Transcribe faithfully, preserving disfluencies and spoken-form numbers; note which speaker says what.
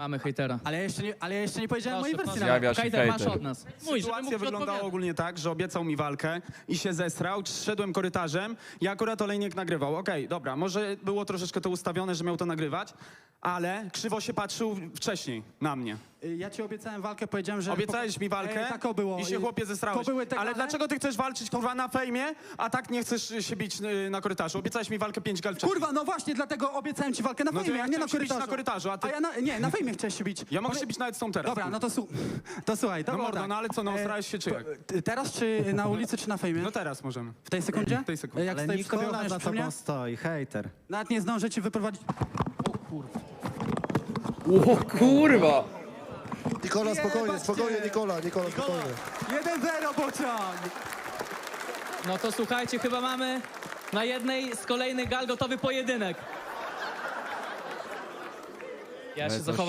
Speaker 1: Mamy hejtera.
Speaker 2: Ale ja jeszcze nie, ale ja jeszcze nie powiedziałem
Speaker 1: Proszę,
Speaker 2: mojej wersji.
Speaker 1: proszę.
Speaker 2: nawet.
Speaker 3: Zjawia się
Speaker 1: Hejter, masz
Speaker 3: hejter.
Speaker 1: od nas. Mój, żeby mógł
Speaker 4: Sytuacja wyglądała
Speaker 1: odpowiadać.
Speaker 4: ogólnie tak, że obiecał mi walkę i się zesrał, szedłem korytarzem i akurat Olejnik nagrywał. Okej, dobra, może było troszeczkę to ustawione, że miał to nagrywać, ale krzywo się patrzył wcześniej na mnie.
Speaker 2: Y, Ja ci obiecałem walkę, powiedziałem, że...
Speaker 4: Obiecałeś mi walkę
Speaker 2: E, tak o było.
Speaker 4: i się
Speaker 2: Y,
Speaker 4: chłopie zesrałeś.
Speaker 2: To były te
Speaker 4: Ale
Speaker 2: gale?
Speaker 4: dlaczego ty chcesz walczyć kurwa na fejmie, a tak nie chcesz się bić y, na korytarzu? Obiecałeś mi walkę pięć gal wcześniej.
Speaker 2: Kurwa, no właśnie, dlatego obiecałem ci walkę na
Speaker 4: No to
Speaker 2: fejmie,
Speaker 4: ja
Speaker 2: a nie na
Speaker 4: chciałem się bić
Speaker 2: korytarzu.
Speaker 4: na korytarzu, a ty-
Speaker 2: ja na, nie, na fejmie chciałeś się bić.
Speaker 4: Ja mogę
Speaker 2: Powie-
Speaker 4: się bić nawet z tą teraz.
Speaker 2: Dobra,
Speaker 4: kurwa.
Speaker 2: no to, su... to słuchaj, to
Speaker 4: No
Speaker 2: było
Speaker 4: mordo,
Speaker 2: tak.
Speaker 4: no ale co, no
Speaker 2: E,
Speaker 4: starałeś się czy jak?
Speaker 2: Ty Teraz czy na ulicy, czy na fejmie?
Speaker 4: No teraz możemy.
Speaker 2: W tej sekundzie?
Speaker 4: W tej sekundzie.
Speaker 2: E, Jak
Speaker 5: Ale
Speaker 2: stoi przy tobie,
Speaker 5: Nikola
Speaker 2: ochroniasz
Speaker 5: za
Speaker 2: przy mnie?
Speaker 5: tobą stoi, hejter.
Speaker 2: Nawet nie zdążę ci wyprowadzić...
Speaker 3: O kurwa!
Speaker 6: Nikola, spokojnie,
Speaker 2: Jebać
Speaker 6: spokojnie,
Speaker 2: cię.
Speaker 6: Nikola, Nikola, spokojnie.
Speaker 2: jeden zero pociąg!
Speaker 1: No to słuchajcie, chyba mamy na jednej z kolejnych gal gotowy pojedynek. Ja się zachowam.